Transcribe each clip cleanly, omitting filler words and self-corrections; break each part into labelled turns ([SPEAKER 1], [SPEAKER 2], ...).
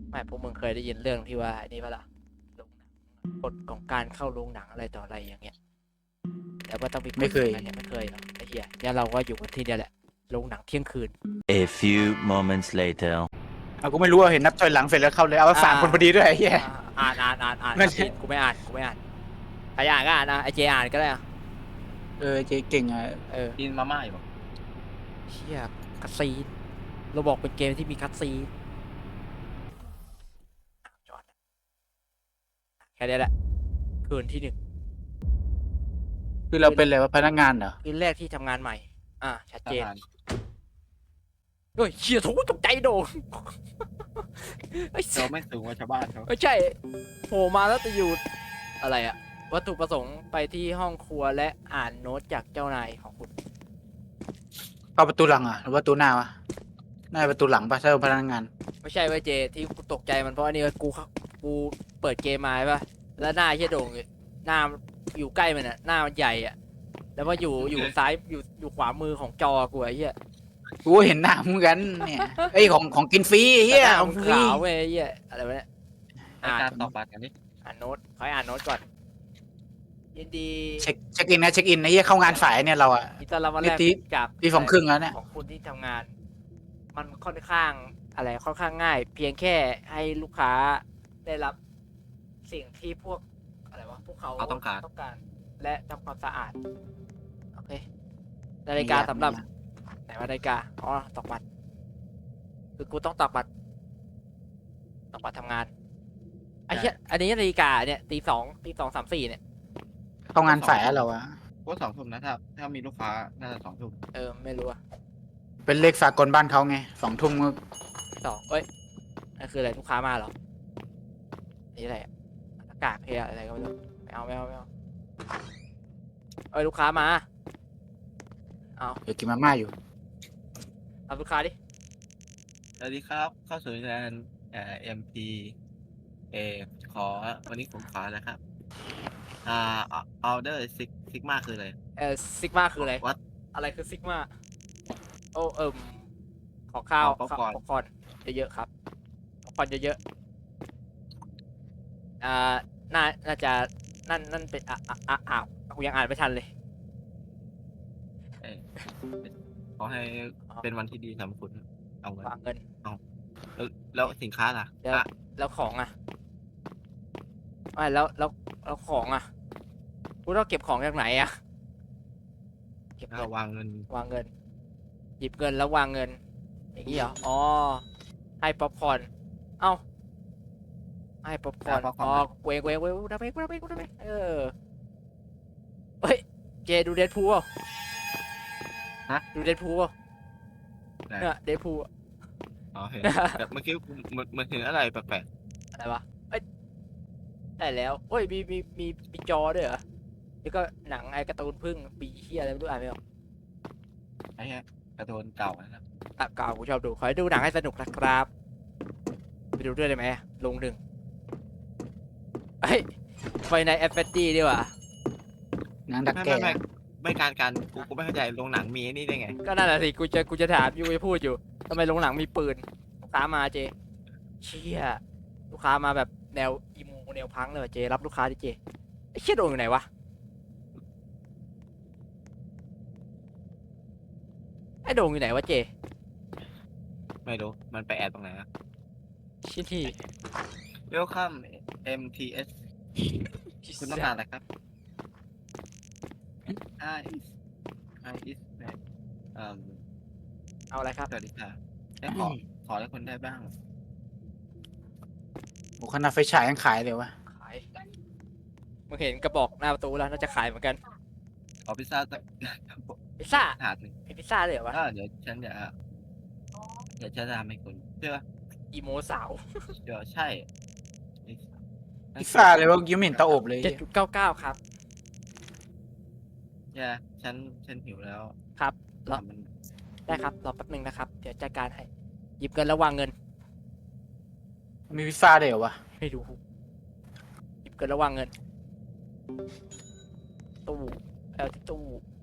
[SPEAKER 1] ไม่พวกมึงเคยได้ยินเรื่องที่ว่านี่ปะล่ะโรงหนังกฎของการเข้าโรงหนังอะไรต่ออะไรอย่างเงี้ยแต่ว่าต้องมีกฎ
[SPEAKER 2] ไม่เคย
[SPEAKER 1] อะไรเนี่ยไม่เคยหรอกไอ้เหี้ยเนี่ยเราก็อยู่กันที่เนี่ยแหละโรงหนังเที่ยงคืน
[SPEAKER 3] A few moments later.
[SPEAKER 2] เอากูไม่รู้ว่าเห็นนับถอยหลังเสร็จแล้วเข้าเลยเอาสามคนพอดีด้วยไอ้เหี้ย
[SPEAKER 1] อ่าน
[SPEAKER 2] นั่น
[SPEAKER 1] ผิดกูไม่อ่านใครอ่านก็อ่านนะไอเจอ่านก็ได้อะ
[SPEAKER 2] เจ๊เก่งอ่ะ
[SPEAKER 4] กินมาม่าอยู่
[SPEAKER 1] เชี่ยคัตซีนเราบอกเป็นเกมที่มีคัตซีนจอดแค่นี้แหละคืนที่หนึ่ง
[SPEAKER 2] คือเราเป็นอะไรวะพนักงานเหรอ
[SPEAKER 1] คืนแรกที่ทำงานใหม่ชัด
[SPEAKER 4] ท
[SPEAKER 1] เจน
[SPEAKER 4] หาร
[SPEAKER 1] เฮ้ยเชี่ยโถูตกใจโดนไอ้
[SPEAKER 4] เราไม่สูงกว่าชาวบ้านเขา
[SPEAKER 1] ไม่ใช่โผล่มาแล้วจะอยู่อะไรอะวัตถุประสงค์ไปที่ห้องครัวและอ่านโน้ตจากเจ้านายของคุณ
[SPEAKER 2] เข้าประตูหลังอ่ะหรือว่าประตูหน้าวะน่าจะประตูหลังป่ะถ้าเป็นพนักงาน
[SPEAKER 1] ไม่ใช่เว้ยเจที่กูตกใจมันเพราะอันนี้กูเปิดเกมมาใช่ปะแล้วหน้าเชี่ยโด่งหน้าอยู่ใกล้มันอะหน้ามันใหญ่อะแล้วว่าอยู่ซ้ายอยู่ขวามือของจอกูไอ้เหี้ย
[SPEAKER 2] กูก็เห็นหน้าเหมือนกันเนี่ยไอ้ยของกินฟรีไอ้เหี้ย
[SPEAKER 1] หน้า
[SPEAKER 2] ของ
[SPEAKER 1] มัน
[SPEAKER 2] ฟรี
[SPEAKER 1] ขาวเว้ยไอ้เหี้ยอะไรวะเนี่ย
[SPEAKER 4] ในการตอกบัตรกันนี่
[SPEAKER 1] อ่านโน้ตขอให้อ่านโน้ตก่อนยินดี
[SPEAKER 2] เช็คอินนะเช็คอินไอ้เหี้ยเข้างานสายเนี่ยเราอ่ะ
[SPEAKER 1] ยินดีต้อนรับวันแรก
[SPEAKER 2] นี่
[SPEAKER 1] จาก
[SPEAKER 2] ตีสองครึ่งแล้วเนี่ย
[SPEAKER 1] ของคุณที่ทำงาน มันค่อนข้างอะไรค่อนข้างง่าย เพียงแค่ให้ลูกค้าได้รับสิ่งที่พวกอะไรวะพวกเขาต้องการและทำความสะอาดโอเคนาฬิกาสำหรับไหนว่านาฬิกาอ๋อตอกบัตรคือกูต้องตอกบัตรทำงานไอ้เหี้ยอันนี้นาฬิกาเนี่ยตี 2 ตี 2 3 4เนี่ย
[SPEAKER 2] เข้างานสายอะเราอะ
[SPEAKER 4] ก็2 ทุ่มนะถ้ามีลูกค้าน่าจะ2 ทุ่ม
[SPEAKER 1] ไม่รู้อะ
[SPEAKER 2] เป็นเลขสากลบ้านเขาไง2 ทุ่มก็
[SPEAKER 1] เอ้ยนั่นคืออะไรลูกค้ามาเหรอนี่อะไรอะอากาศเพลียอะไรก็ไม่รู้ไม่เอาเอ้ยลูกค้ามาเอา
[SPEAKER 2] เดี๋ยวกินมาม่าอยู่
[SPEAKER 1] รับลูกค้าดิ
[SPEAKER 4] สวัสดีครับ เข้าสู่งานMP เอขอวันนี้ผมขอนะครับออเดอร์ซิกมาคืออะไร
[SPEAKER 1] ซิกมาคืออะไร
[SPEAKER 4] วัด
[SPEAKER 1] อะไรคือซิกมาโอ้ขอข้าว
[SPEAKER 4] ขอป๊อปคอร์น
[SPEAKER 1] ป๊อปคอร์นเยอะๆครับป๊อปคอร์นเยอะๆน่าจะนั่นเป็นอ้าวกูยังอ่านไม่ทันเลย
[SPEAKER 4] เอ่อขอให้เป็นวันที่ดีสำหรับคุณเอาเงิน
[SPEAKER 1] วางเงิน
[SPEAKER 4] แล้วสินค้าล่ะ
[SPEAKER 1] เดี๋ยว
[SPEAKER 4] อ่ะ
[SPEAKER 1] แล้วของอ่ะไม่แล้วของอ่ะกูต้องเก็บของจากไหนอ่ะเก็บเงิน
[SPEAKER 4] วางเงิน
[SPEAKER 1] วางเงิน หยิบเงินแล้ววางเงิน อย่างนี้เหรออ๋อให้ป๊อปคอร์นเอ้าให้ป๊อปคอร์นอ๋อเวงดับเบงเฮ้ยเจดูเดดพูลเปล่าดูเดดพูลเปล่าเนี่ยเดดพูล
[SPEAKER 4] อ๋อเห็นแต่เมื่อกี้มันเห็นอะไรแปลก
[SPEAKER 1] อะไรวะเอ้ยได้แล้วเฮ้ยมีจอด้วยเหรอแล้วก็หนังไอ้การ์ตูนพึ่งปีเฮียอะไรไม่รู้อ่านไม่ออก
[SPEAKER 4] ๆไอ้เนี้ยการ์ตูนเก่านะครับ
[SPEAKER 1] เก่ากูชอบดูขอให้ดูหนังให้สนุกนะครับไปดูด้วยได้ไหมลงหนึ่งเฮ้ยไฟในแอฟเฟตตี้ดีกว่า
[SPEAKER 2] หนังดัก
[SPEAKER 4] ไม่
[SPEAKER 2] แก่
[SPEAKER 4] ไม่การกูไม่เข้าใจโรงหนังมีไอ้นี่ได้ไง
[SPEAKER 1] ก็นั่นแหละสิกูจะถามอยู่จะพูดอยู่ทำไมโรงหนังมีปืนลูกค้ามาเจเชี่ยลูกค้ามาแบบแนวอีโมแนวพังเลยว่ะเจรับลูกค้าดิเจไอ้เชี่ยโดนอยู่ไหนวะไอ้โดงอยู่ไหนวะเจ
[SPEAKER 4] ไม่รู้มันไปแอบตรงไหนอะ
[SPEAKER 1] ชิ้นที่
[SPEAKER 4] Welcome MTS คุณต้องการอะไรครับ Hi is
[SPEAKER 1] เอาอะไรครับ
[SPEAKER 4] สวัสดีค่ะได้ขออะไรคนได้บ้าง
[SPEAKER 2] โอ้ขนาดไฟฉายยังขายเลยวะ
[SPEAKER 1] ขายมึงเห็นกระบอกหน้าประตูแล้วน่าจะขายเหมือนกัน
[SPEAKER 4] ขอพิซซ่าสัก
[SPEAKER 1] พิซซ่า
[SPEAKER 4] ถาดหนึ่ง
[SPEAKER 1] มีพิซซ่าเลยเหรอวะ
[SPEAKER 4] เดี๋ยวฉันจะทำให้คุณเชื่อ
[SPEAKER 1] อีโมสาว
[SPEAKER 4] ใช่
[SPEAKER 2] พิซซ่าเลยว่ายิ้มเห็นเตาอบเลย
[SPEAKER 1] 7.99ครับ
[SPEAKER 4] เนี่ยฉันหิวแล้ว
[SPEAKER 1] ครับรอ
[SPEAKER 4] มัน
[SPEAKER 1] ได้ครับรอแป๊บหนึงนะครับเดี๋ยวจัดการให้หยิบเงินแล้ววางเงิน
[SPEAKER 2] มีพิซซ่าด้วยเหรอวะ
[SPEAKER 1] ไม่รู้หยิบเงินแล้ววางเงินตู้เอาที่ตู้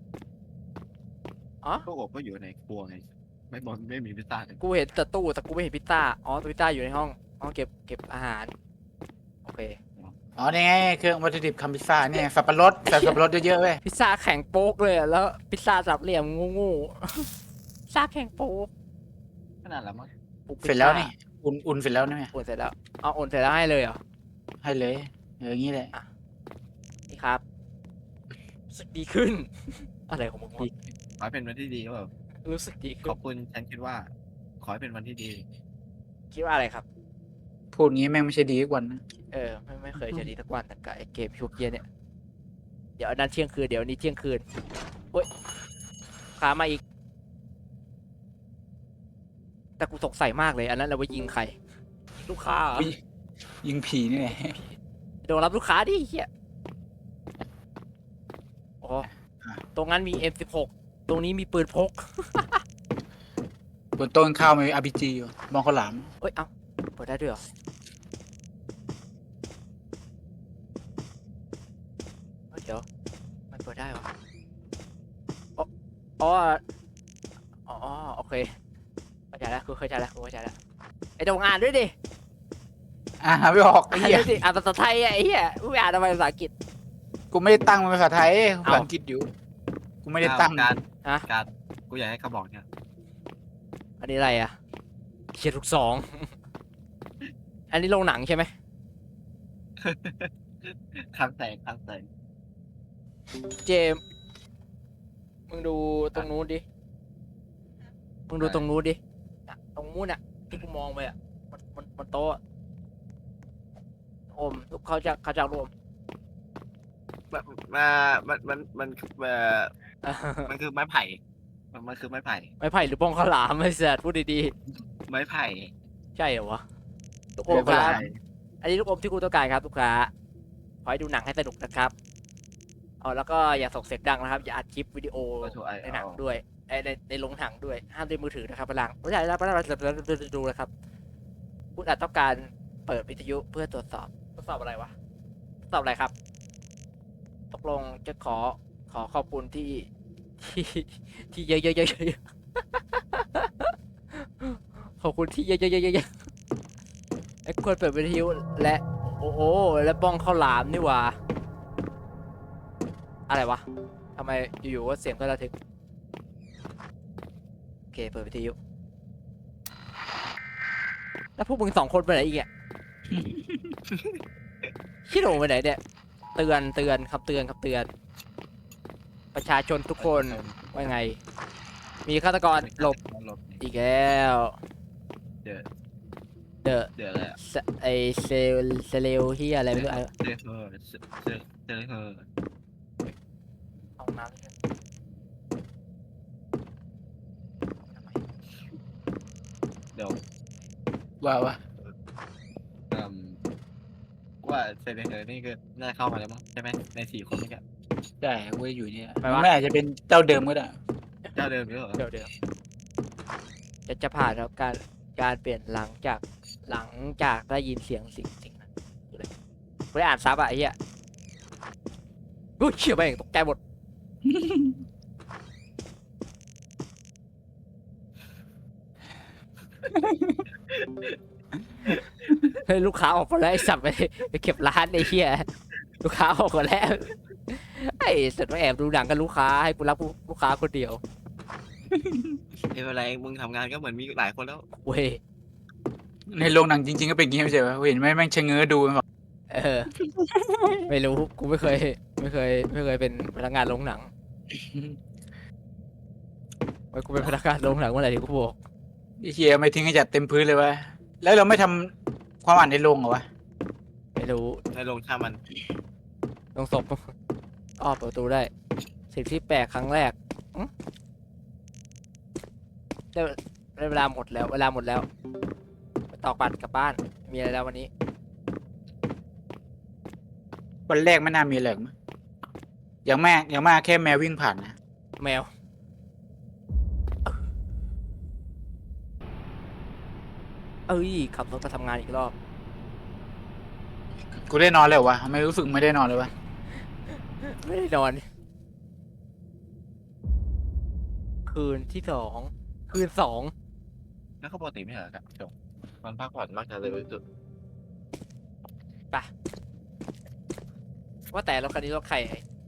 [SPEAKER 1] อ๋อ
[SPEAKER 4] ตู้อบก็อยู่ในครัวไงไม่มีพิซซ่าเลย
[SPEAKER 1] กูเห็นแต่ตู้แต่กูไม่เห็นพิซซ่าอ๋อพิซซ่าอยู่ในห้องอ๋อเก็บอาหารโอเค
[SPEAKER 2] อ๋อนี่ไงเครื่องวัตถุดิบทำพิซซ่าเนี่ยสับปะรดใส่สับปะรดเยอะๆเว้ย
[SPEAKER 1] พิซซ่าแข็งโป๊กเลยอะแล้วพิซซ่าสามเหลี่ยมงูๆพิซซ่าแข็งโป๊ก
[SPEAKER 4] ขนาดแล้วมั้ง
[SPEAKER 2] เสร็จแล้วนี่อุ่นเสร็จแล้วนี่
[SPEAKER 1] อุ่นเสร็จแล้วเอาอุ่นเสร็จแล้วให้เลยเหรอ
[SPEAKER 2] ให้เลยอย่างนี้แหละ
[SPEAKER 1] นี่ครับรู้สึกดีขึ้น อะไรของมึงวะ
[SPEAKER 4] ขอให้เป็นวันที่ดีก็แบบ
[SPEAKER 1] รู้สึกดี
[SPEAKER 4] ข
[SPEAKER 1] ขึ้
[SPEAKER 4] อน บคุณฉันคิดว่า ขอให้เป็นวันที่ดี
[SPEAKER 1] คิดว่าอะไรครับ
[SPEAKER 2] พูดงี้แม่งไม่ใช่ดีทุกวันนะ
[SPEAKER 1] ไม่เคยจะดีสักวันแต่กับไอเกมพวกเกียเนี่ยเดี๋ยวอันนั้นเที่ยงคืนเดี๋ยวอันนี้เที่ยงคืนโอ้ยขามาอีก แต่กูสงสัยมากเลยอันนั้นเราไปยิงใครลูกค้าเหรอ
[SPEAKER 2] ยิงผีนี่แหละ
[SPEAKER 1] โดนรับลูกค้าดิเฮียอ๋อตรงนั้นมี M16 ตรงนี้มีปืนพก
[SPEAKER 2] บนโต้นข้าวมี RPG อยู่มองข้าวหลาม
[SPEAKER 1] เอ้ย เอ้าเปิดได้ด้วยเหรอเอ้ยเดี๋ยว มันเปิดได้เหรออ๋ออ๋ออ๋อโอเคเข้าใจแล้วกูเข้าใจแล้วไอ้ตรงอ่านด้วยดิ
[SPEAKER 2] ไม่ออกไอ้
[SPEAKER 1] อ่าน
[SPEAKER 2] เหี้ย
[SPEAKER 1] ด้วยดิอ่านภาษาไทยอะไอ้เหี้ยมึงไม่อ่านทำไมภาษาอังกฤษ
[SPEAKER 2] กูไม่ได้ตั้งเป็นภาษาไทยภาษา
[SPEAKER 1] เอ้า
[SPEAKER 2] อังกฤษอยู่กูไม่ได้ตั้ง
[SPEAKER 4] การ
[SPEAKER 1] ฮะ
[SPEAKER 4] การกูอยากให้เขาบอกเนี่ย
[SPEAKER 1] อันนี้อะไรอะเขียนลูกสอง อันนี้โรงหนังใช่ไหม
[SPEAKER 4] ครั้งแตก
[SPEAKER 1] เจมส์มึงดูตรงนู้นดิ มึงดูตรงนู้นดิน่ะตรงนู้นน่ะที่กูมองไปอ่ะ มันโต๊ะอะโอมเขาจะรวม
[SPEAKER 4] มันคือไม้ไผ่ มันคือไม้ไผ่
[SPEAKER 1] ไม้ไผ่หรือบ้องข้าวหลามไม่เสียพูดดี
[SPEAKER 4] ไม้ไผ่
[SPEAKER 1] ๆ ใช่เหรอวะลูกอ
[SPEAKER 2] เดี๋
[SPEAKER 1] ม
[SPEAKER 2] ยว
[SPEAKER 1] ค
[SPEAKER 2] ก็
[SPEAKER 1] รับ
[SPEAKER 2] ได้
[SPEAKER 1] อันนี้ลูกอมที่กูต้องการครับลูกค้าขอให้ดูหนังให้สนุกนะครับเอาแล้วก็อย่าส่งเสียงดังนะครับ อย่าอัดคลิปวิดีโอ
[SPEAKER 4] ก็ถูกไอ้
[SPEAKER 1] ในหนังด้วยในโรงหนังด้วย ห้ามด้วยมือถือนะครับพลังไม่ใช่แล้วดูนะครับคุณอาจต้องการเปิดวิทยุเพื่อตรวจสอบอะไรวะตรวจสอบอะไรครับ ตกลงจะขอขอบคุณที่เยอะขอบคุณที่เยอะไอ้ควรเปิดวิทยุและโอ้โหและบ้องข้าวหลามนี่หว่าอะไรวะทำไมอยู่ๆว่าเสียงก็ระทึกโอเคเปิดวิทยุแล้วพวกมึงสองคนไปไหนอีกอ่ะ ชิโร่ไปไหนเนี่ยเตือนครับเตือนประชาชนทุกคนว่าไง มีฆาตกรหลบ
[SPEAKER 4] หลบ
[SPEAKER 1] อีกแล้ว
[SPEAKER 4] เดี๋ยว
[SPEAKER 1] เดอะ
[SPEAKER 4] เดี๋ยวอะไรอะ
[SPEAKER 1] ไอเซเลวที่อะไรไม่รู้อะ
[SPEAKER 4] เจอเธอ
[SPEAKER 1] เอาน้ำด้วยทำไม
[SPEAKER 4] เดี๋ยว
[SPEAKER 2] ว่า
[SPEAKER 4] อืมว่าเซเลเธอนี่คือน่าเข้ามาแล้วมั้งใช่ไหมใน4 คนนี่แก
[SPEAKER 2] ใช่กูจะอยู่เนี่ยไม่อาจจะเป็นเจ้าเดิมก็ได้
[SPEAKER 4] เจ้าเดิมหรือเปล่า
[SPEAKER 1] เดี๋ยวจะผ่านแล้วการเปลี่ยนหลังจากได้ยินเสียงสิ่งนั้นคืออะไรไม่ได้อ่านซับอะไอ้เหี้ยกูเชี่ยไปเองตกใจหมด เฮ้ยลูกค้าออกมาแล้วไอ้สับไปเก็บร้านไอ้เหี้ยลูกค้าออกมาแล้วไอ้สัตว์มาแอบดูหนังกับลูกค้าให้กูรับลูกค้าคนเดียว
[SPEAKER 4] ไม่เป็นไรมึงทำงานก็เหมือนมีหลายคนแล้ว
[SPEAKER 1] เว้ย
[SPEAKER 2] ในโรงหนังจริงๆก็เป็นอย่างงี้ไม่ใช่ปะเห็นไหมแม่งชะเง้อดูมันบอก
[SPEAKER 1] เออ ไม่รู้กูไม่เคยเป็นพนักงานโรงหนังไว้กูเป็นพนักงานโรงหนังเมื่อไหร่ที่กูบอก
[SPEAKER 2] ไอ้เฮียไม่ทิ้งให้จัดเต็มพื้นเลยวะแล้วเราไม่ทำความอ่านในโรงเหรอวะ
[SPEAKER 1] ไม่รู้
[SPEAKER 4] ในโรงช่างมัน
[SPEAKER 1] ลงศพอ้อเปิดประตูได้สิ่งที่แปลกครั้งแรกอื้อได้เวลาหมดแล้วไปตอกบัตรกลับบ้านมีอะไรแล้ววันนี้
[SPEAKER 2] วันแรกไม่น่ามีอะไรหรอกมั้งอย่างมากแค่แมววิ่งผ่านนะ
[SPEAKER 1] แมวเอ้ยขับรถมาทำงานอีกรอบ
[SPEAKER 2] กูได้นอนแล้ววะไม่รู้สึกไม่ได้นอนเลยวะ
[SPEAKER 1] ไม่ได้นอน คืนที่ 2 คืน 2
[SPEAKER 4] แล้วเขาปกติไม่เหรอครับจงมันพักผ่อนมักจะเร็วที่สุด
[SPEAKER 1] ไปว่าแต่รถคันนี้รถใคร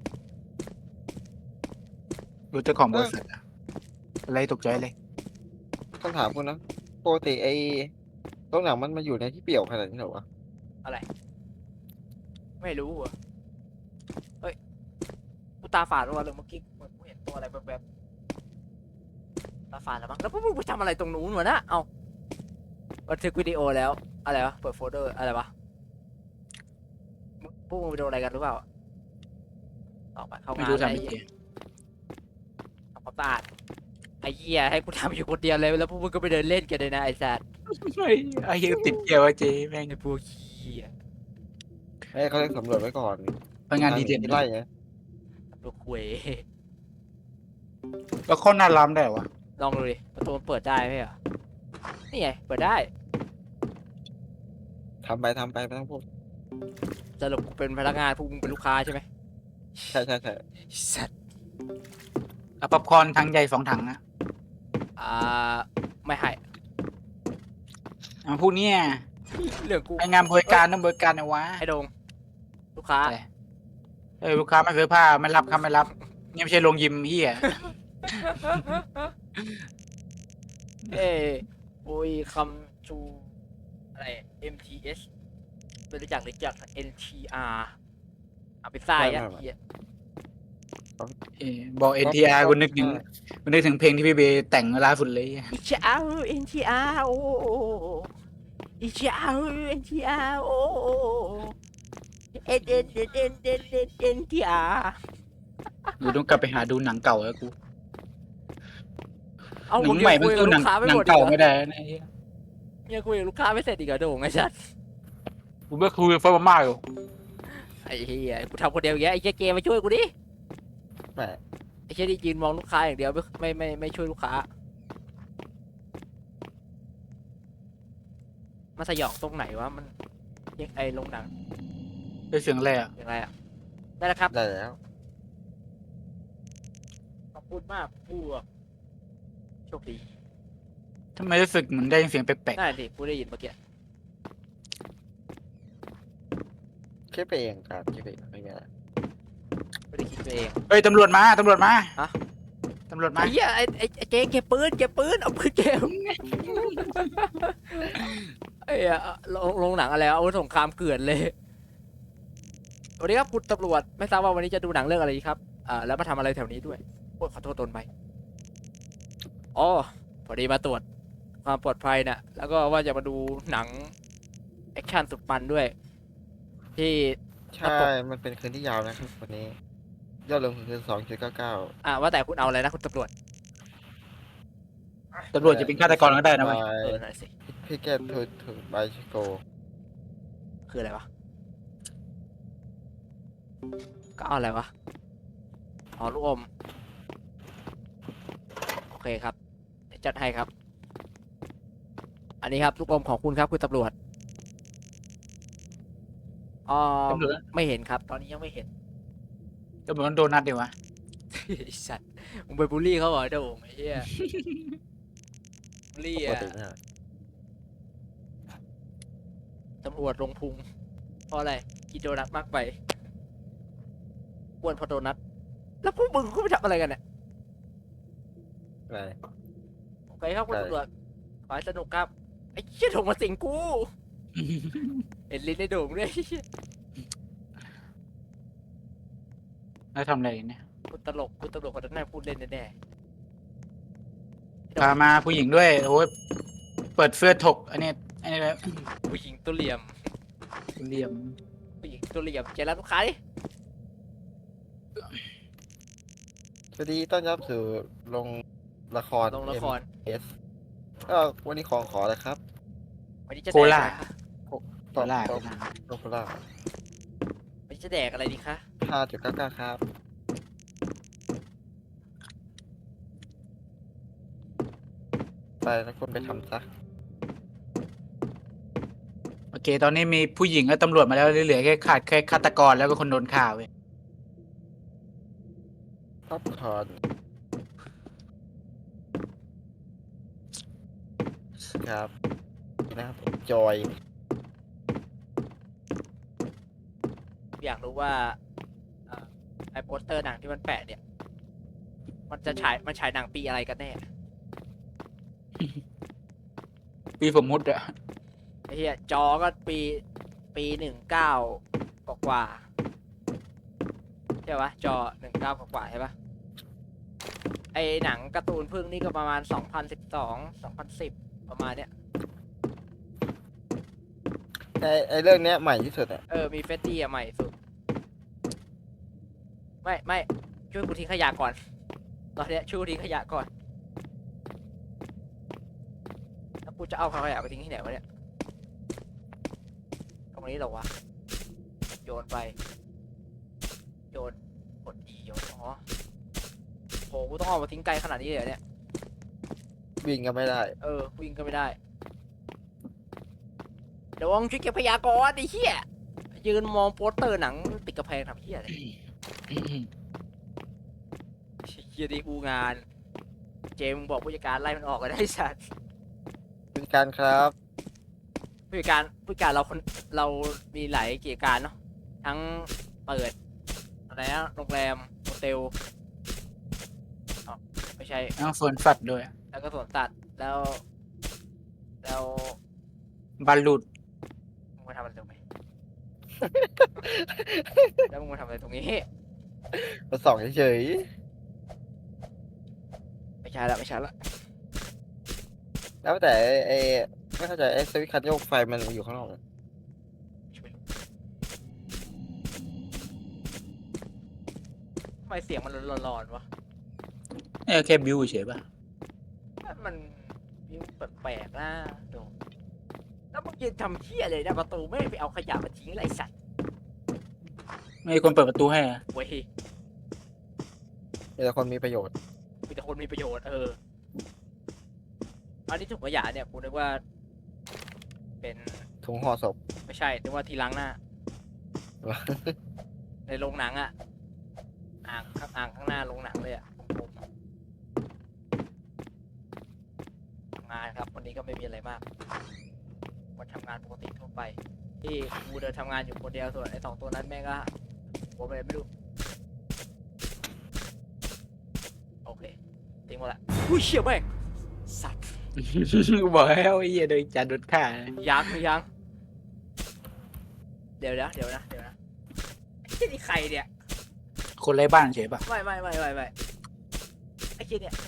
[SPEAKER 2] รู้เจ้าของบริษัทอะอะไรตกใจเลย
[SPEAKER 5] ต้องถามคุณนะปกติไอ้โรงหนังมันมาอยู่ในที่เปี่ยวขนาดนี้เหรอวะ
[SPEAKER 1] อะไร ไม่รู้อ่ะเฮ้ยกูตาฝาดวะเลยเมื่อกี้เหมือนกูเห็นตัวอะไรแบบๆตาฝาดแล้วมั้งแล้วพวกมึงไปทำอะไรตรงนู้นวะนะเอาบันทึกวิดีโอแล้วอะไรวะเปิดโฟลเดอร์อะไรวะพวกมึงไปโดนอะไรกันหรือเปล่าออกไปเข้า
[SPEAKER 2] ไม่
[SPEAKER 1] งาน
[SPEAKER 2] รู้
[SPEAKER 1] อะไร
[SPEAKER 2] ทำยังไง
[SPEAKER 1] ทำความสะอาดไอ้เหี้ยให้กูทำอยู่คนเดียวเลยแล้วพวกมึงก็ไปเดินเล่นกันเลยนะไอ้สัตว์
[SPEAKER 2] ไอ้เหี้ยติดเกียวอะเจ๊แม่ง
[SPEAKER 1] ไอ้พวกเหี้ย
[SPEAKER 5] ให้เขาเรียกสำรวจไว้ก่อน
[SPEAKER 2] พนักงานดีเด่น
[SPEAKER 5] ไล่ไง
[SPEAKER 1] พวกคุย
[SPEAKER 2] แล้วข้อหน้าล้ำได้เหรอวะ
[SPEAKER 1] ลองดูดิประตูมันเปิดได้ไหมเหรอนี่ไงเปิดได้
[SPEAKER 5] ทำไปไม่ต้องพูด
[SPEAKER 1] สรุปกูเป็นพนักงานพวกมึงเป็นลูกค้าใช่ไหม
[SPEAKER 5] ใช่
[SPEAKER 1] สัตว์
[SPEAKER 2] เอาป๊อปคอร์นถังใหญ่2 ถังอะ
[SPEAKER 1] ไม่ให้
[SPEAKER 2] เอาพวกเนี้ย
[SPEAKER 1] เรื่องกู
[SPEAKER 2] ไองานบริการต้องบริการนะวะ
[SPEAKER 1] ไอ้โดงลูกค้า
[SPEAKER 2] อะไร ลูกค้าไม่ซื้อผ้าไม่รับครับไม่รับนี่ไม่ใช่โรงยิมเฮีย
[SPEAKER 1] เอ้โอ้ยคำชูอะไร MTS ไม่รู้จักNTR เอาไปใส่ยัดเหี้ย
[SPEAKER 2] บอก NTR กูนึกถึงเพลงที่พี่เบย์แต่งล่าสุดเลย
[SPEAKER 1] อิจฉา NTR โอ้อิจฉา NTR โอ้NTR
[SPEAKER 2] กูต้องกลับไปหาดูหนังเก่าแล้วกู
[SPEAKER 1] เอา
[SPEAKER 2] หนังใหม่มันสู้หนังเก่าไม่ได้นะเหี้ย
[SPEAKER 1] ยังคุยกับลูกค้าไม่เสร็จอีกเหรอโด่งไอ้สัส
[SPEAKER 2] กูไม่คุยกับเฟิร์มมากอยู่
[SPEAKER 1] ไอ้เหี้ยกูทำคนเดียวอย่างเงี้ยไอ้เจ๊เกมมาช่วยกูดิ
[SPEAKER 5] แหม
[SPEAKER 1] ไอ้เจ๊ที่ยืนมองลูกค้าอย่างเดียวไม่ช่วยลูกค้ามาสยองตรงไหนวะมันยังไอ้ลงหนัง
[SPEAKER 2] ได้เสียงอะไรอ่ะ
[SPEAKER 1] ยังไงอะได้แล้วครับ
[SPEAKER 5] ได้แล้ว
[SPEAKER 1] ขอบคุณมากผู้โชคดี
[SPEAKER 2] ทำไมรู้สึกเหมือนได้ยินเสียงแปลก
[SPEAKER 1] ได้สิผู้ได้ยินเมื่อกี้
[SPEAKER 5] คิดไปเองครับคิดไปเองไม่มีอะไร
[SPEAKER 1] ไม่ได้คิดไปเอง
[SPEAKER 2] ๆเฮ้ยตำรวจมา
[SPEAKER 1] ฮะ
[SPEAKER 2] ตำรวจมา
[SPEAKER 1] ไอ้เหี้ยไอ้เจ๊เก็บปืนเอาปืนเก็บไอ้เหี้ยลงหนังอะไรวะอาวุธสงครามเกลื่อนเลยสวัสดีครับคุณตำรวจไม่ทราบว่าวันนี้จะดูหนังเรื่องอะไรดีครับแล้วมาทำอะไรแถวนี้ด้วยโอ้ยขอโทษตนไปอ๋อพอดีมาตรวจความปลอดภัยน่ะแล้วก็ว่าจะมาดูหนังแอคชั่นสุดมันด้วย ที่
[SPEAKER 5] ใช่ มันเป็นคืนที่ยาวนะครับวันนี้ ยอดลงทุนคือ2.99
[SPEAKER 1] ว่าแต่คุณเอาอะไรนะคุณตำรวจ
[SPEAKER 2] ตำรวจจะเป็นฆาตกรก็ได้นะเว้ย
[SPEAKER 1] หน่อยสิ
[SPEAKER 5] พี่แกถูกใบชิโก
[SPEAKER 1] คืออะไรวะก็เอาอะไรวะอ๋อลูกอมโอเคครับเดี๋ยวจัดให้ครับ อันนี้ครับลูกอมของคุณครับคุณตำรวจอ๋อ
[SPEAKER 2] ตำรวจ
[SPEAKER 1] ไม่เห็นครับ ตอนนี้ยังไม่เห็น
[SPEAKER 2] ตำรวจมันโดนัทดีวะ
[SPEAKER 1] ไอ้สัตว์มึงไปบูลลี่เขาเหรอเดี๋ยวไอ้เหี้ยบูลลี่
[SPEAKER 5] ปก
[SPEAKER 1] อะ
[SPEAKER 5] ตินะ
[SPEAKER 1] ตำรวจลงพุงเพราะอะไรกินโดนัทมากไปอ้วนเพราะโดนัทแล้วพวกมึงก็ไปทำอะไรกันเนี่ย
[SPEAKER 5] อะไร
[SPEAKER 1] โอเคครับคุณ
[SPEAKER 5] ได้
[SPEAKER 1] ตำรวจขอให้สนุกครับไอ้เชี่ยโด่งมาสิงกูเห็นลิ้นในโด่งด้วย
[SPEAKER 2] แล้วทำอะไรเนี่ย
[SPEAKER 1] คุณตลกคนนั้นน่าพูดเล่นแน่
[SPEAKER 2] พามาผู้หญิงด้วยโอ้ยเปิดเสื้อถกอันนี้เลย
[SPEAKER 1] ๆผู้หญิงตัวเหลี่ยม
[SPEAKER 2] เหลี่ยม
[SPEAKER 1] ผู้หญิงตัวเหลี่ยมเจรัสลูกค้าดิ
[SPEAKER 5] สวัสดีต้อนรับสู่ลงละคร
[SPEAKER 1] ลงละคร
[SPEAKER 5] MS วันนี้ขอเลยครับ
[SPEAKER 1] วันนี้จะ
[SPEAKER 2] โค
[SPEAKER 1] แดก
[SPEAKER 2] ล่า
[SPEAKER 1] อะไรคะ
[SPEAKER 2] โคล่า
[SPEAKER 5] โลโคล่า
[SPEAKER 1] วันนี้จะแดกอะไรดีคะ
[SPEAKER 5] 5.99ครับ ไปแล้วคุณไปทำซะ
[SPEAKER 2] โอเค ตอนนี้มีผู้หญิงและตำรวจมาแล้วเหลือแค่ขาดแค่ฆาตกรแล้วก็คนโดนข่าเว้ย
[SPEAKER 5] ป๊อปคอร์นครับนะครับ enjoy
[SPEAKER 1] อยากรู้ว่าไอ้โปสเตอร์หนังที่มันแปะเนี่ย มันฉายหนังปีอะไรกันแน่
[SPEAKER 2] ปีสมมุติอะ
[SPEAKER 1] ไอ้เหี้ยจอก็ปี19 กว่าใช่ปะจอ19 กว่าใช่ปะไอหนังการ์ตูนพึ่งนี่ก็ประมาณ2012 2010ประมาณเนี้ย
[SPEAKER 5] ไอเรื่องเนี้ยใหม่ที่สุดอะ
[SPEAKER 1] มีเฟสตี้อะใหม่สุดไม่ช่วยกูทิ้งขยะก่อนตอนเนี้ยช่วยกูทิ้งขยะก่อนแล้วกูจะเอาขยะไปทิ้งที่ไหนวะเนี่ยตรงนี้เหรอวะโยนไปโยนกดดีโยนอ๋อโหกูต้องเอามาทิ้งไกลขนาดนี้เลยเหรอเนี่ย
[SPEAKER 5] วิ่งก็ไม่ได้
[SPEAKER 1] วิ่งก็ไม่ได้เดี๋ยวช่วยเก็บขยะก่อนไอ้เหี้ยยืนมองโปสเตอร์หนังติดกระแพงทำเหี้ยอะไรเหี้ยดีกูงาน เจมส์บอกผู้จัดการไล่มันออกก็ได้สัตว์
[SPEAKER 5] เป็นการครับ
[SPEAKER 1] ผู้จัดการเรามีหลายกิจการเนาะทั้งเปิดอะไรนะโรงแรมโฮเทลอ๋อไม่ใช่
[SPEAKER 2] ต้องสวนสัตว์ด้วย
[SPEAKER 1] แล้วก็สวนสัตว์แล้ว
[SPEAKER 2] บอลลูด
[SPEAKER 1] มึงมาทำอะไรตรงนี้ แล้วมึงมาทำอะไรตรงนี้
[SPEAKER 5] มาส่องเฉย
[SPEAKER 1] ไม่ใช่ละ
[SPEAKER 5] ๆแล้วแต่ไอไม่เข้าใจไอสวิตช์คันโยกไฟมันอยู่ข้างนอกอะ
[SPEAKER 1] ทำไมเสียงมันร้อนๆวะ
[SPEAKER 2] แค่บิวเฉยป่ะ
[SPEAKER 1] มันยิ้มแปลกๆนะดูแล้วมึงยืนทำเหี้ยเลยนะประตูไม่ไปเอาขยะมาทิ้งไรสัตว์
[SPEAKER 2] ไม่มีคนเปิดประตูให้อะ
[SPEAKER 1] เว้ย
[SPEAKER 5] มีแต่คนมีประโยชน์
[SPEAKER 1] มีแต่คนมีประโยชน์อันนี้ถุงขยะเนี่ยกูนึกว่า เป็น
[SPEAKER 5] ถุงห่อศพ
[SPEAKER 1] ไม่ใช่นึกว่าที่ล้างหน้า ในโรงหนังอะอ่างข้างหน้าโรงหนังเลยอะผมทำงานครับวันนี้ก็ไม่มีอะไรมากวันทำงานปกติทั่วไป ที่กูเดินทำงานอยู่คนเดียวส่วนไอ้2 ตัวนั้นแม่งก็ผมเลยไม่รู้โอเคทิ้งหมดละอุ้ยเชี่ยแม่งสัตว์
[SPEAKER 2] บอกแล้วไอ้เหี้ยโดนจัดโดนฆ่า
[SPEAKER 1] ยังเดี๋ยวนะไอ้เชี่ยนี่ใครเนี่ย
[SPEAKER 2] คนไร้บ้านเฉยป่ะ
[SPEAKER 1] ไม่ไอ้เชี่ยเนี่ย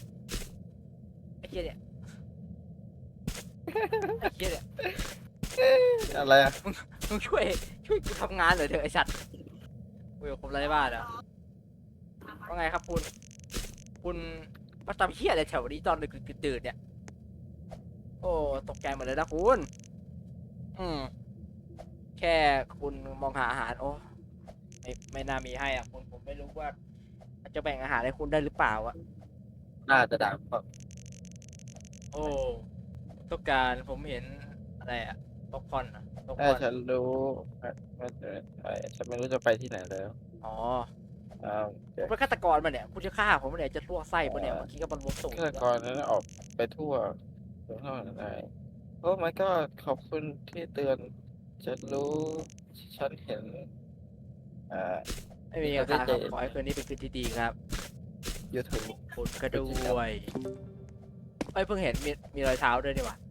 [SPEAKER 5] อะไรอะ
[SPEAKER 1] มึงช่วยกูทำงานหน่อยเถอะไอ้สัตว์กูอยู่ผมไร้บ้านเหรอว่าไงครับคุณมาทำเหี้ยอะไรแถวนี้ตอนดึกดื่นเนี่ยโอ้ตกใจหมดเลยนะคุณแค่คุณมองหาอาหารโอ้ไม่น่ามีให้อ่ะคุณผมไม่รู้ว่าจะแบ่งอาหารให้คุณได้หรือเปล่าอ่ะ
[SPEAKER 5] น่าจะดังเพราะ
[SPEAKER 1] โอ้ต้องการผมเห็นอะไรอ่ะป๊อปคอร์นอ่ะป๊อปค
[SPEAKER 5] ถ้า
[SPEAKER 1] อร์น
[SPEAKER 5] ฉันรู้ว่าจะไปฉันไม่รู้จะไปที่ไหนแล้ว
[SPEAKER 1] อ๋อ
[SPEAKER 5] อ้าว
[SPEAKER 1] ผมเป็นฆาตกรมาเนี่ยคุณจะฆ่าผมเนี่ยจะลวกไส้มาเนี่ยเมื่อกี้ก็บรรลุสูง
[SPEAKER 5] ฆาตกรนั้นออกไปทั่วเท่าไหร่โอ้ my god ขอบคุณที่เตือน ฉันรู้ ฉันเห็น
[SPEAKER 1] ไม่มีครับขอให้คืนนี้เป็นคืนที่ดีครับ
[SPEAKER 5] YouTube
[SPEAKER 1] คุณก็ด้วยเอ้ยเพิ่งเห็นมีรอยเท้าด้วยนี่หว่า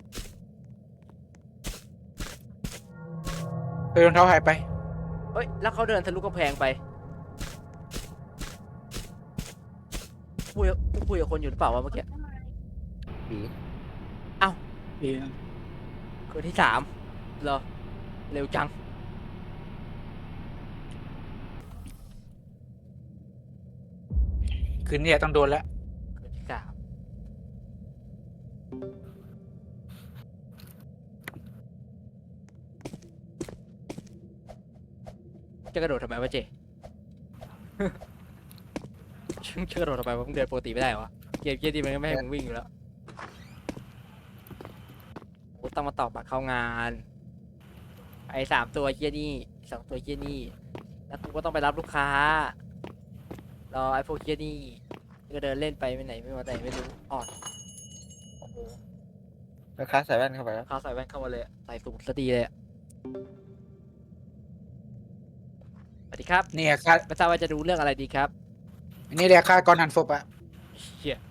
[SPEAKER 2] รองเท้าหายไป
[SPEAKER 1] เอ้ยแล้วเขาเดินทะลุกำแพงไปคุยกับคนอยู่หรือเปล่าวะเมื่อกี้
[SPEAKER 5] ผี
[SPEAKER 2] ดี
[SPEAKER 1] คืนที่3เหรอเร็วจัง
[SPEAKER 2] คืนนี้ต้องโดนแล้ว
[SPEAKER 1] คืนที่3จะกระโดดทำไมวะเจ จะกระโดดทำไมวะมึงเดินปกติไม่ได้เหรอวะเกมดีมันก็ไม่ให้มึงวิ่งอยู่แล้วกูต้องมาตอบบัตรเข้างานไอ้3 ตัวเฮียนี่2 ตัวเฮียนี่แล้วกูก็ต้องไปรับลูกค้ารอไอ้พวกเฮียนี่ก็เดินเล่นไปไม่ไหนไม่มาไหนไม่รู้อ๋อโอ้โห
[SPEAKER 5] ลูกค้าใส่แว่นเข้าไปแล้ว
[SPEAKER 1] เขาใส่แว่นเข้ามาเลยใส่สูทซะดีเลยอะสวัสดีครับ
[SPEAKER 2] เนี่ยค่า
[SPEAKER 1] ไม่ทราบว่าจะดูเรื่องอะไรดีครับ
[SPEAKER 2] อันนี้เรียกค่ากรหันศพอะ
[SPEAKER 1] เฮีย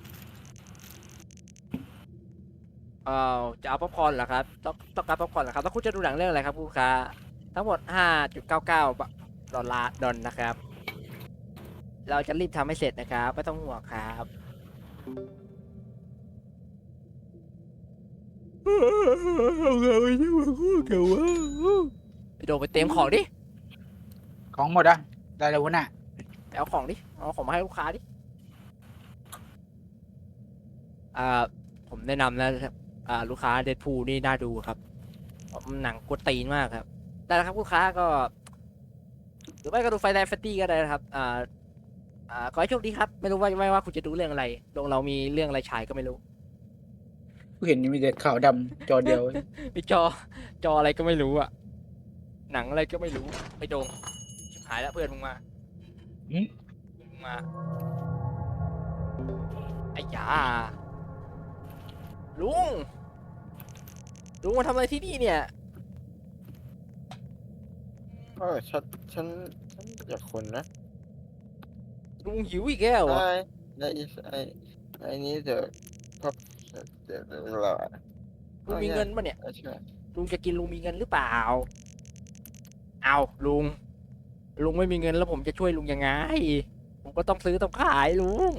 [SPEAKER 1] จะเอาป๊อปคอร์นเหรอครับต้องการป๊อปคอร์นเหรอครับแล้วคุณจะดูหนังเรื่องอะไรครับคุณลูกค้าทั้งหมด 5.99 ดอลนะครับ เราจะรีบทำให้เสร็จนะครับไม่ต้องห่วงครับไปโดนไปเต็มของดิ
[SPEAKER 2] ของหมดอะได้แล้ววะน่ะ
[SPEAKER 1] ไปเอาของดิเอาของมาให้ลูกค้าดิผมแนะนำนะลูกค้าเดดพูลนี่น่าดูครับหนังกวนตีนมากครับได้แล้วครับลูกค้าก็หรือไม่ก็ดูไฟแลนด์แฟตตี้ก็ได้นะครับขอให้โชคดีครับไม่รู้ว่าคุณจะดูเรื่องอะไรโรงเรามีเรื่องอะไรฉายก็ไม่รู้
[SPEAKER 2] กูเห็นมีแต่ขาวดำจอเดียว
[SPEAKER 1] มีจออะไรก็ไม่รู้อะหนังอะไรก็ไม่รู้ไปโดงชิบหายแล้วเพื่อนมึงมา
[SPEAKER 2] หืม
[SPEAKER 1] มึงมาไอ้ยาลุงมาทำอะไรที่นี่เนี่ย
[SPEAKER 5] ฉันอยากคุณนะ
[SPEAKER 1] ลุงหิวอีกแล้วเหรอ
[SPEAKER 5] I need the pop เดี๋ยวรอ
[SPEAKER 1] ลุงมีเงินปะเนี่ย
[SPEAKER 5] ใช่
[SPEAKER 1] ลุงจะกินลุงมีเงินหรือเปล่าเอาลุงไม่มีเงินแล้วผมจะช่วยลุงยังไงผมก็ต้องซื้อต้องขายลุง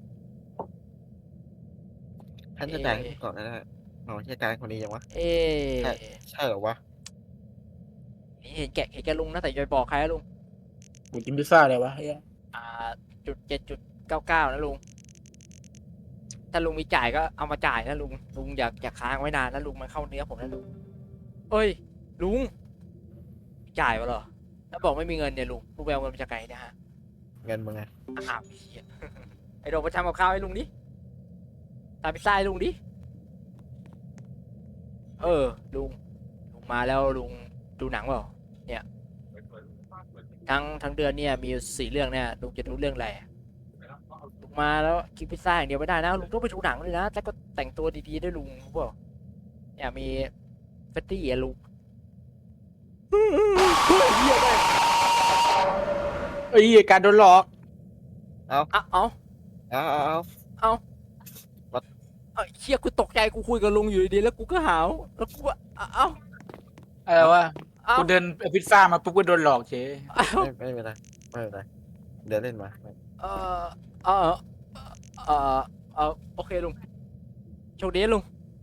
[SPEAKER 5] ฉันจะจ่ายให้ก่อนก็ได้อ๋อใช่จ่ายคนนี้ยังวะ
[SPEAKER 1] เอ๊ะ
[SPEAKER 5] ใช่เหรอวะ
[SPEAKER 1] เห็นแกลุงนะแต่อย่าไปบอกใครนะลุง
[SPEAKER 2] กูกินพิซซ่าเลยวะเฮีย
[SPEAKER 1] 7.99นะลุง ถ้าลุงมีจ่ายก็เอามาจ่ายนะลุงอย่าค้างไว้นานนะลุงมันเข้าเนื้อผมนะลุงเอ้ยลุงจ่ายวะเหรอแล้วบอกไม่มีเงินเนี่ยลุงไปเอาเงินมาจากไหนเนะฮะ
[SPEAKER 5] เงินมึงไง
[SPEAKER 1] อ้าวเหี้ย ไอ้โดมไปทำกับข้าวให้ลุงดิทำพิซซ่าให้ลุงดิลุงมาแล้วลุงดูหนังเปล่าเนี่ยทั้งเดือนเนี่ยมี4 เรื่องเนี่ยลุงจะดูเรื่องอะไรลุงมาแล้วกินพิซซ่าอย่างเดียวไม่ได้นะลุงต้องไปดูหนังเลยนะแล้วก็แต่งตัวดีๆด้วยลุงรู้เปล่าเนี่ยมีเฟตตี้อะลุงเหี้ยเลย
[SPEAKER 2] เอ้ยการโดนหลอก
[SPEAKER 1] เอา
[SPEAKER 5] เอา
[SPEAKER 1] เชี่ยกูตกใจกูคุยกับลุงอยู่ดีๆแล้วกูก็หาวแล้วกูก็เอ้า
[SPEAKER 2] อะไรวะ
[SPEAKER 1] เอ้า
[SPEAKER 2] กูเดินเอาพิซซ่ามาปุ๊บก็โดนหลอกเฉย
[SPEAKER 1] เอ้า
[SPEAKER 5] ไม่เป็นไรเดี๋ยวเล่นมา
[SPEAKER 1] เออเออเออโอเคลุงโชคดีนะลุง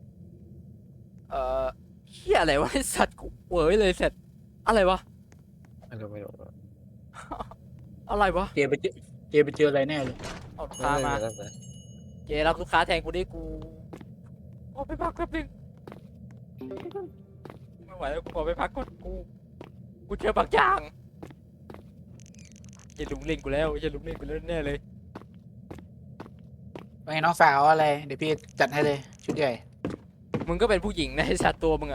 [SPEAKER 1] เฮียอะไรวะไอ้สัตว์กูเว้ยเลยเสร็จอะไรวะ
[SPEAKER 5] ไม่รู้
[SPEAKER 1] อะไรวะ
[SPEAKER 2] เจไปเจออะไรแน่เลย
[SPEAKER 1] เอาลูกค้ามาเจรับลูกค้าแทนกูดิกูขอไปพักแป๊บนึงไม่ไหวแล้วกูขอไปพักก่อนกูเจอบางอย่างเจลุงเล่นกูแล้วแน่เลย
[SPEAKER 2] ไปน้องสาวอะไร เดี๋ยวพี่จัดให้เลยชุดใหญ่
[SPEAKER 1] มึงก็เป็นผู้หญิงนะไอ้สัตว์ตัวมึงอะ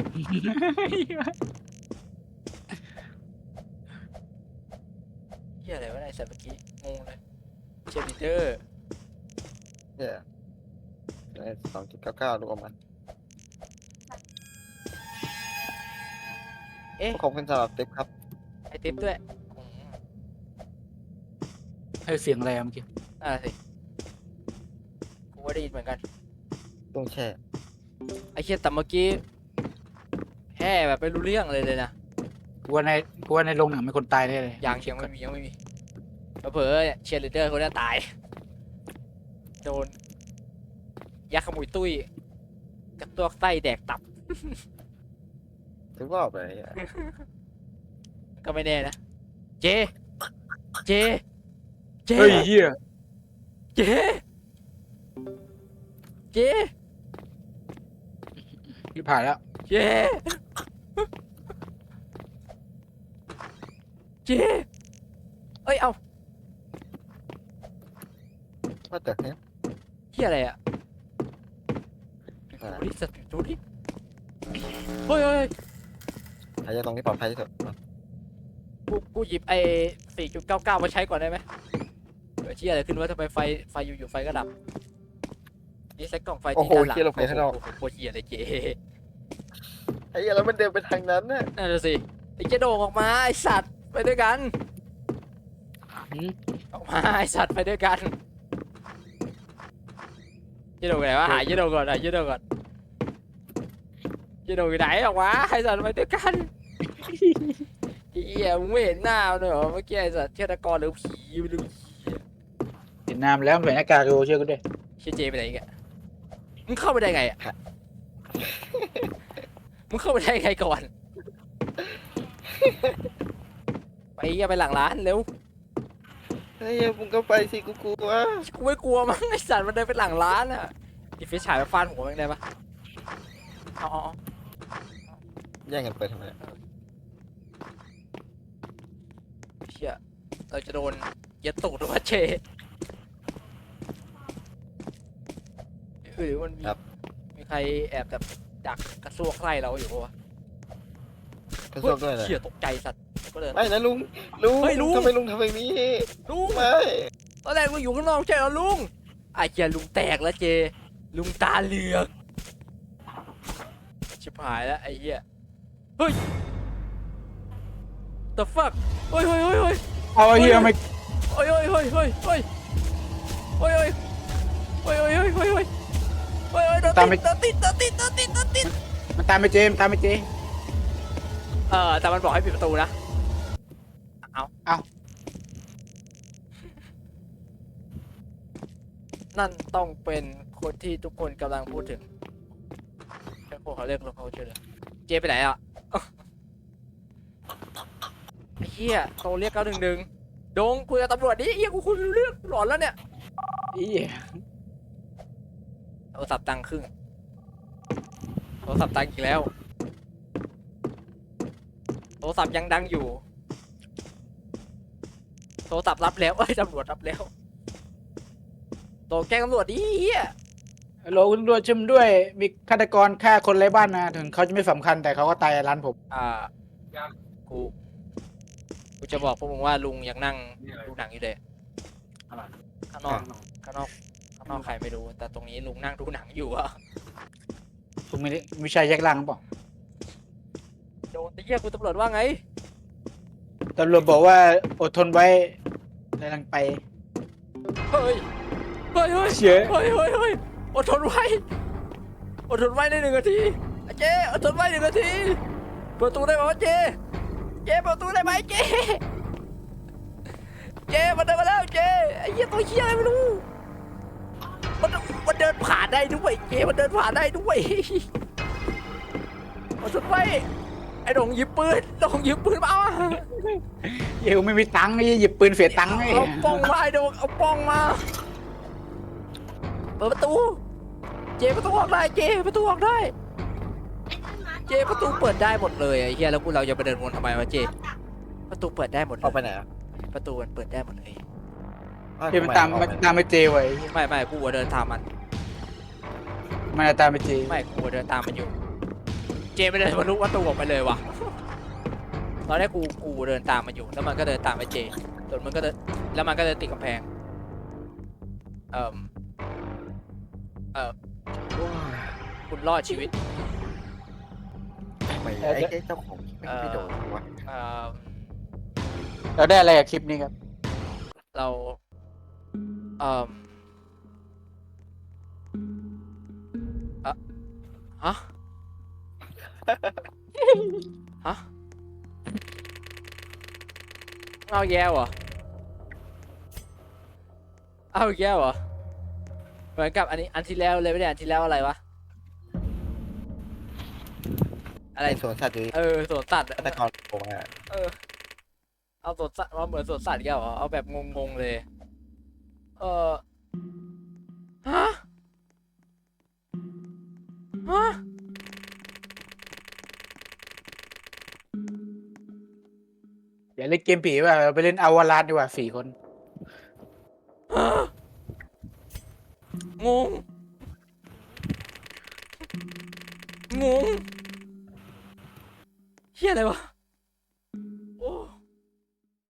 [SPEAKER 1] เฮียอะไรวะไอ้สัตว์เมื่อกี้งงเลยเชฟลิเดอร์
[SPEAKER 5] เนี่ย2.99รวมมัน
[SPEAKER 1] เอ๊ะ
[SPEAKER 5] ขอบคุณสำหรับติ๊บครับ
[SPEAKER 1] ไอติ๊บด้วยอืม
[SPEAKER 2] ให้เสียงอะไรอะเมื่อกี้
[SPEAKER 1] สิกูก็ได้ยินเหมือนกัน
[SPEAKER 5] ต้องแช่
[SPEAKER 1] ไอเชี่ยแต่เมื่อกี้แห่แบบไม่รู้เรื่องเลยนะ
[SPEAKER 2] กูว่าในโรงหนังมีคนตายแน่เลย
[SPEAKER 1] ยังไม่มีเผลอๆเชียร์ลีดเดอร์คนนี้ตายโดนยักษ์ขมุยตุ้ยกับตัวไส้แดกตับ
[SPEAKER 5] ทุกรอบเลย
[SPEAKER 1] ก็ไม่แน่นะเจ
[SPEAKER 2] เฮ้ยเหี้ย
[SPEAKER 1] เจ
[SPEAKER 2] พี่ผ่านแล้ว
[SPEAKER 1] เจเอ้ย เอา
[SPEAKER 5] ว่าแต่เนี่ย
[SPEAKER 1] เฮียอะไรอ่ะดูดิสัตว์ดูดิเฮ้ย
[SPEAKER 5] หายใจตรงนี้ปลอดภัยที่สุด
[SPEAKER 1] กูหยิบไอ้ 4.99 มาใช้ก่อนได้ไหมเกิดเชี่ยอะไรขึ้นวะทำไมไฟอยู่ๆไฟก็ดับนี่ใส่กล่องไฟ
[SPEAKER 5] โอ้โห
[SPEAKER 1] ที่ด้านหลัง
[SPEAKER 5] เหี้ยเราไปข้างนอก
[SPEAKER 1] โอ้โหโคตรเหี้ยเลยเจ
[SPEAKER 5] ไอ้เหี้ยแล้วมันเดินไปทางนั้นน่ะ
[SPEAKER 1] นั่นน่ะสิไอ้เจโดงออกมาไอ้สัตว์ไปด้วยกันออกมาไอ้สัตว์ไปด้วยกันเจโดงไหนวะหาเจโดงก่อนหาเจโดงก่อนเจโดงอยู่ไหนออกมาไอ้สัตว์ไปด้วยกันไอ้เหี้ยมึงไม่เห็นหน้ามันเลยเหรอเมื่อกี้ไอ้สัตว์ฆาตกรหรือผีไม่รู้
[SPEAKER 2] เห็นน้ำแล้วใส่หน้ากากดูเชื่อกูด้วย
[SPEAKER 1] เชี่ยเจไปไหนอีกอะมึงเข้าไปได้ไงอะมึงเข้าไปได้ไงก่อนไปอย่าไปหลังร้านเร็ว
[SPEAKER 5] ไอ้เหี้ยมึงก็ไปสิกูกลัว
[SPEAKER 1] กูไม่กลัวมั้งไอสัตว์มันเดินไปหลังร้านอะดิฟิชฉายมาฟาดหัวมันได้ปะเอา
[SPEAKER 5] แย่งกันเปิดทำไม
[SPEAKER 1] เชี่ยเราจะโดนยัดตูดหรือว่าเจหรือมันมีใครแอบแบบดักกระซวกไล่เราอยู่ปะวะ
[SPEAKER 5] กระซวกด้วยเลย
[SPEAKER 1] เชี่ยตกใจสัตว์ก็เลย
[SPEAKER 5] ไม่นะลุง
[SPEAKER 1] เฮ้ยลุง
[SPEAKER 5] ทำไมลุงทำแบบนี้
[SPEAKER 1] ลุง
[SPEAKER 5] ไม่
[SPEAKER 1] ตอนแรกลุงอยู่ข้างนอกใช่เหรอลุงไอ้เชี่ยลุงแตกแล้วเจลุงตาเหลือกชิบหายแล้วไอ้เหี้ยเฮ้ย the fuck เฮ้ย
[SPEAKER 2] เอาไอ้เหี้ยไม่
[SPEAKER 1] เฮ้ยเฮ้ยเฮ้ยเฮ้ยเฮ้ยเฮ้ยเฮ้ยเฮ้ยเฮ้ยเฮ้ยเฮ้ยเฮ้ยเฮ้ยโดนติด
[SPEAKER 2] มันตามไปเจมนตามไปเจ
[SPEAKER 1] แต่มันบอกให้ปิดประตูนะเอานั่นต้องเป็นคนที่ทุกคนกำลังพูดถึงแค่พวกเขาเรียกเราเขาชื่อเลยเจไปไหนอ่ะไอ้เหี้ยโทรเรียก911ดงคุยกับตำรวจดิเหี้ยกูคุยรู้เรื่องหลอนแล้วเนี่ย
[SPEAKER 2] อี
[SPEAKER 1] โทรศัพท์ตังครึ่งโทรศัพท์ตังอีกแล้วโทรศัพท์ยังดังอยู่โทรศัพท์รับแล้วเอ้ยตำรวจรับแล้วโทรแจ้งตำรวจดิเหี้ย
[SPEAKER 2] ฮัลโหลคุณตำรวจช่วยผมด้วย มีฆาตกรฆ่าคนไร้บ้านนะถึงเขาจะไม่สำคัญแต่เขาก็ตายในร้านผม
[SPEAKER 1] กูจะบอกพวกมึงว่าลุงยังนั่งดูหนังอยู่เลยข้างนอกใครไม่รู้แต่ตรงนี้ลุงนั่งดูหนังอยู่อะ
[SPEAKER 2] ผมไม่ใช่แยกล่างหรือเปล่า
[SPEAKER 1] โดนไอ้เหี้ยกูตำรวจว่าไง
[SPEAKER 2] ตำรวจบอกว่าอดทนไว้กำลังไป
[SPEAKER 1] เฮ้ย
[SPEAKER 2] เชี่ย
[SPEAKER 1] เฮ้ยอดทนไว้ใน1 นาทีเจ๊อดทนไว้1 นาทีเปิดประตูได้ไหมวะเจ๊เปิดประตูได้ไหมเจ๊มันเดินมาแล้วเจ๊ไอ้เหี้ยตัวเหี้ยอะไรไม่รู้มันเดินผ่านได้ด้วยเจ๊มันเดินผ่านได้ด้วยอดทนไว้ไอ้ดงหยิบปืนมาเอา
[SPEAKER 2] เหี้ยกูไม่มีตังค์ไอ้หยิบปืนเสียตังค์ไอ้
[SPEAKER 1] เอาป้องมาไอ้ดงเอาป้องมาเปิดประตูประตูออกได้ประตูออกได้ประตูเปิดได้หมดเลยไอ้เหี้ยแล้วเราจะไปเดินวนทำไมวะประตูเปิดได้หมดเล
[SPEAKER 5] เอาไป
[SPEAKER 1] ย
[SPEAKER 5] ไหนอ่ะ
[SPEAKER 1] ประตูมันเปิดได้หมดเลย
[SPEAKER 2] เฮ้ยมันตามไปเจไว้
[SPEAKER 1] ไม่กูเดินตามมัน
[SPEAKER 2] มันตามไปเจ
[SPEAKER 1] ไม่กูเดินตามมันอยู่ไม่เดินทะลุประตูออกไปเลยว่ะตอนแรกกูเดินตามมันอยู่แล้วมันก็เดินตามไปจนมันก็เดินแล้วมันก็เดินติดกำแพงคุณรอดชีวิต
[SPEAKER 5] ทำไมไอ้เจ้าของไม่โดนวะ
[SPEAKER 2] เราได้อะไรกับคลิปนี้ครับ
[SPEAKER 1] เราฮะเอาแย่เหรอเหมือนกับอันที่แล้วเลยไม่ได้อันที่แล้วอะไรวะอะไร
[SPEAKER 5] ไอ้สวนสัตว์อยู่
[SPEAKER 1] สวนสัตว์
[SPEAKER 5] ฆาตกรผมอ่ะ
[SPEAKER 1] เอาสวนสัตว์มาเหมือนสวนสัตว์แกเหรอเอาแบบงงๆเลยฮะ
[SPEAKER 2] อย่าเล่นเกมผีว่ะเราไปเล่นอวารานดีกว่า4 คน
[SPEAKER 1] งงเฮียอะไรวะ